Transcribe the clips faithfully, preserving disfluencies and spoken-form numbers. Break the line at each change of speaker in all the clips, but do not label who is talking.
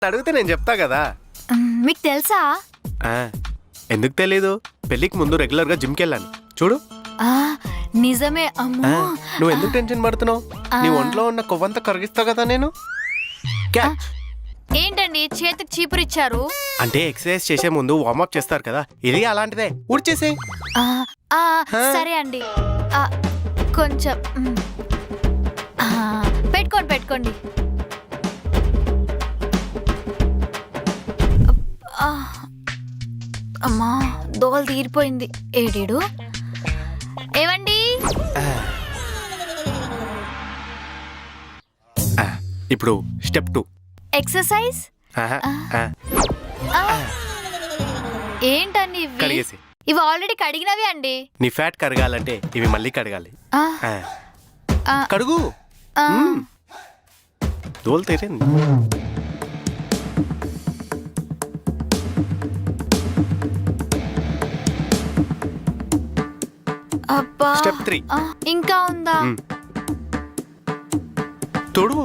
అడిగితే నేను చెప్తా కదా.
మీకు తెలుసా?
ఎందుకు తెలీదు? పెళ్లికి ముందు రెగ్యులర్ గా జిమ్ కి వెళ్ళాను చూడు.
నిజమే. అమ్మో,
నువ్వు ఎందుకు టెన్షన్ పడుతున్నావు? నీ ఒంట్లో ఉన్న కొవ్వంతా కరిగిస్తావు కదా నేను.
ఏంటండి చేతికి చీపురు ఇచ్చారు?
అంటే ఎక్సర్సైజ్ చేసే ముందు వార్మప్ చేస్తారు కదా, ఇది అలాంటిదే. ఊడ్చేసే.
సరే అండి, కొంచెం పెట్టుకోండి పెట్టుకోండి. అమ్మా దోలు తీరిపోయింది. ఏడీడు ఏవండి?
ఇప్పుడు స్టెప్ టూ
ఎక్సర్సైజ్. ఏంటండి
కడిగేసి.
ఇవి ఆల్రెడీ కడిగినవి అండి.
నీ ఫ్యాట్ కరగాలంటే ఇవి మళ్ళీ కడగాలి. కడుగు. దోలు తీరింది. స్టెప్ త్రీ
ఇంకా ఉందా?
తొడుగు.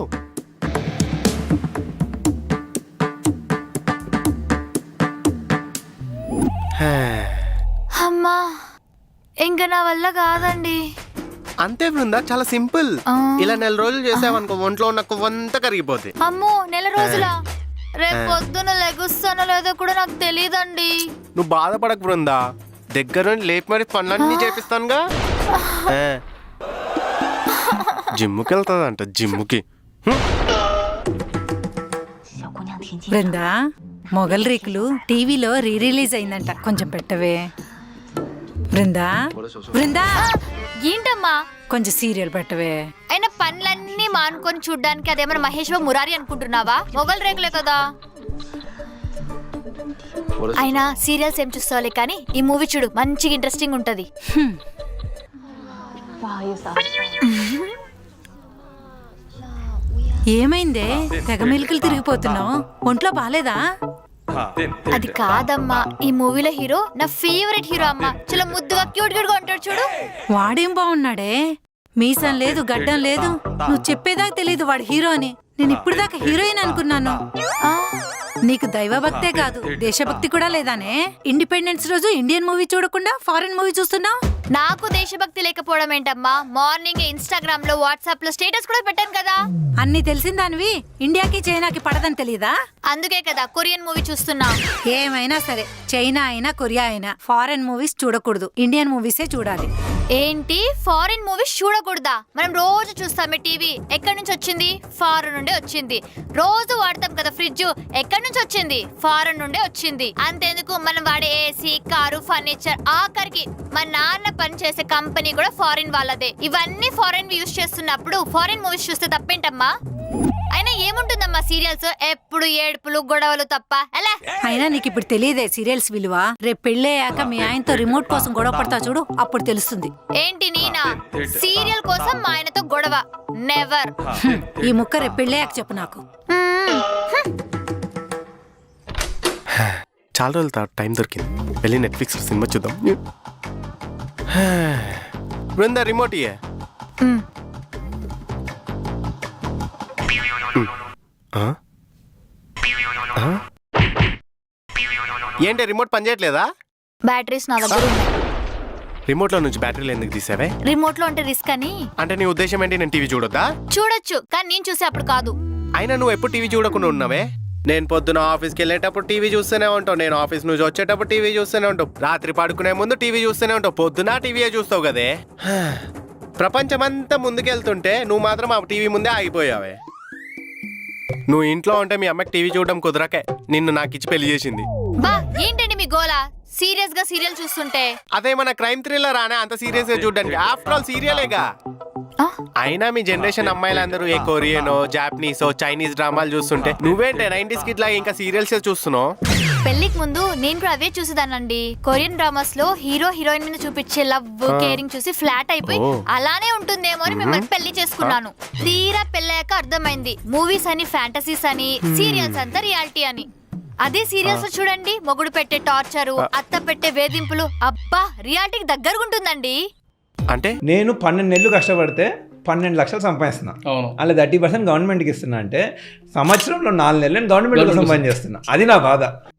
అమ్మా ఇంకా నా వల్ల కాదండి.
అంతే బృందా, చాలా సింపుల్. ఇలా నెల రోజులు చేసావనుకో ఒంట్లో ఉన్న కొవ్వంతా కరిగిపోతుంది.
అమ్మో నెల రోజులా? రేపు పొద్దున లెగుస్తానో లేదో కూడా నాకు తెలియదండి.
నువ్వు బాధపడకు బృందా, దగ్గర నుండి లేపి మరి పనులన్నీ చేపిస్తానుగా. జిమ్ముకి వెళ్తాదంట, జిమ్ముకి.
బృందా, మొగల్ రేకులు టీవీలో రీ రిలీజ్ అయిందంట, కొంచెం పెట్టవే. బృందా బృందా
ఏంటమ్మా?
కొంచెం సీరియల్ పెట్టవే.
అయినా పనులన్నీ మానుకొని చూడ్డానికి అదేమన్నా మహేశ్వర మురారి అనుకుంటున్నావా? మొగల్ రేకులే కదా. అయినా సీరియల్స్ ఏం చూస్తావులే కానీ ఈ మూవీ చూడు, మంచిగా ఇంట్రెస్టింగ్ ఉంటది.
ఏమైందే తెగ మెలికలు తిరిగిపోతున్నావు? ఒంట్లో బాలేదా?
అది కాదమ్మా, ఈ మూవీలో హీరో నా ఫేవరెట్ హీరో అమ్మా. చాలా ముద్దుగా క్యూట్ క్యూట్ గా ఉంటాడు చూడు.
వాడేం బాగున్నాడే, మీసం లేదు గడ్డం లేదు. నువ్వు చెప్పేదాకా తెలీదు వాడు హీరో అని. నేను ఇప్పుడు దాకా హీరోయిన్ అనుకున్నాను. నీకు దైవభక్తే కాదు దేశభక్తి కూడా లేదానే? ఇండిపెండెన్స్ రోజు ఇండియన్ మూవీ చూడకుండా ఫారెన్ మూవీ చూస్తున్నావు.
నాకు దేశభక్తి లేకపోవడం ఏంటమ్మా? మార్నింగ్ ఇన్స్టాగ్రామ్ లో వాట్సాప్ లో స్టేటస్ కూడా పెట్టాను కదా.
అన్ని తెలిసిందానివి ఇండియాకి చైనాకి పడదని తెలీదా?
అందుకే కదా కొరియన్ మూవీ చూస్తున్నా.
ఏమైనా సరే, చైనా అయినా కొరియా అయినా ఫారెన్ మూవీస్ చూడకూడదు, ఇండియన్ మూవీసే చూడాలి.
ఏంటి ఫారెన్ మూవీస్ చూడకూడదా? మనం రోజు చూస్తామే టీవీ. ఎక్కడి నుంచి వచ్చింది? ఫారెన్ నుండి వచ్చింది. రోజు వాడతాం కదా ఫ్రిడ్జ్, ఎక్కడి నుంచి వచ్చింది? ఫారెన్ నుండి వచ్చింది. అంతేందుకు మనం వాడే ఏసీ, కారు, ఫర్నిచర్, ఆఖరికి మా నాన్న పని చేసే కంపెనీ కూడా ఫారిన్ వాళ్ళదే. ఇవన్నీ ఫారెన్ యూస్ చేస్తున్నప్పుడు ఫారెన్ మూవీస్ చూస్తే తప్పేంటమ్మా? అయినా ఏముంటుందమ్మా సీరియల్స్, ఎప్పుడు ఏడుపులు గొడవలు తప్ప. ఎలా?
అయినా నీకు ఇప్పుడు తెలియదే సీరియల్స్ విలువ. రేపు పెళ్ళయ్యాక మీ ఆయనతో రిమోట్ కోసం గొడవ పడతా చూడు, అప్పుడు తెలుస్తుంది.
ఏంటి నేనా సీరియల్ కోసం మా ఆయనతో గొడవ? నెవర్.
ఈ ముక్క రేపు పెళ్ళయ్యాక చెప్పు నాకు.
చాలా రోజుల తర్వాత టైం దొరికింది, వెళ్ళి నెట్ఫ్లిక్స్ సినిమా చూద్దాం. బృందా రిమోట్ ఇయ్యే. ఏంటి రిమోట్ పనిచేయట్లేదా?
బ్యాటరీస్ నా దగ్గర ఉన్నాయి.
రిమోట్ లో నుంచి బ్యాటరీలు ఎందుకు తీసావే?
రిమోట్ లో అంటే రిస్క్ అని.
అంటే నీ ఉద్దేశం ఏంటి, నేను టీవీ చూడొద్దా?
చూడొచ్చు, కానీ నేను చూసే అప్పుడు కాదు.
అయినా నువ్వు ఎప్పుడు టీవీ చూడకుండా ఉన్నావే? నేను పొద్దున ఆఫీస్కి వెళ్ళేటప్పుడు టీవీ చూస్తూనే ఉంటావు, నేను ఆఫీస్ నుంచి వచ్చేటప్పుడు టీవీ చూస్తూనే ఉంటావు, రాత్రి పడుకునే ముందు టీవీ చూస్తూనే ఉంటావు, పొద్దున టీవీయే చూస్తావు కదే. ప్రపంచమంతా ముందుకెళ్తుంటే నువ్వు మాత్రం ఆ టీవీ ముందే ఆగిపోయావే. నువ్వు ఇంట్లో ఉంటే మీ అమ్మకి టీవీ చూడడం కుదరకే నిన్ను నాకు ఇచ్చి పెళ్లి చేసింది.
బా ఏంటండి మీ గోలా? సీరియస్ గా సీరియల్ చూస్తుంటే
అదేమన్నా క్రైమ్ థ్రిల్లర్ అనే అంత సీరియస్ గా చూడడానికి? ఆఫ్టర్ ఆల్ సీరియలేగా. అయినా మీ జనరేషన్ అమ్మాయిలందరూ ఏ కొరియనో జాపనీసో చైనీస్ డ్రామాలు చూస్తుంటే నువ్వేంటే నైన్టీస్ కిడ్ లాగా ఇంకా సీరియల్స్ చూస్తున్నావు?
పెళ్లికి ముందు నేను కూడా అవే చూసేదానండి. కొరియన్ డ్రామాస్ లో హీరో హీరోయిన్ మీద చూపించే లవ్ కేరింగ్ చూసి ఫ్లాట్ అయిపోయి అలానే ఉంటుందేమో అని మిమ్మల్ని పెళ్లి చేసుకున్నాను. తీరా పెళ్ళాక అర్థమైంది మూవీస్ అని ఫ్యాంటసీస్ అని, సీరియల్స్ అంతా రియాలిటీ అని. అదే సీరియల్స్ చూడండి, మొగుడు పెట్టే టార్చరు, అత్త పెట్టే వేధింపులు, అబ్బా రియాలిటీకి దగ్గరగా ఉంటుందండి.
అంటే
నేను పన్నెండు నెలలు కష్టపడితే పన్నెండు లక్షలు సంపాదిస్తున్నా,
అవును
అలా థర్టీ పర్సెంట్ గవర్నమెంట్కి ఇస్తున్నా అంటే సంవత్సరంలో నాలుగు నెలలు నేను గవర్నమెంట్ కోసం పని చేస్తున్నా. అది నా బాధ.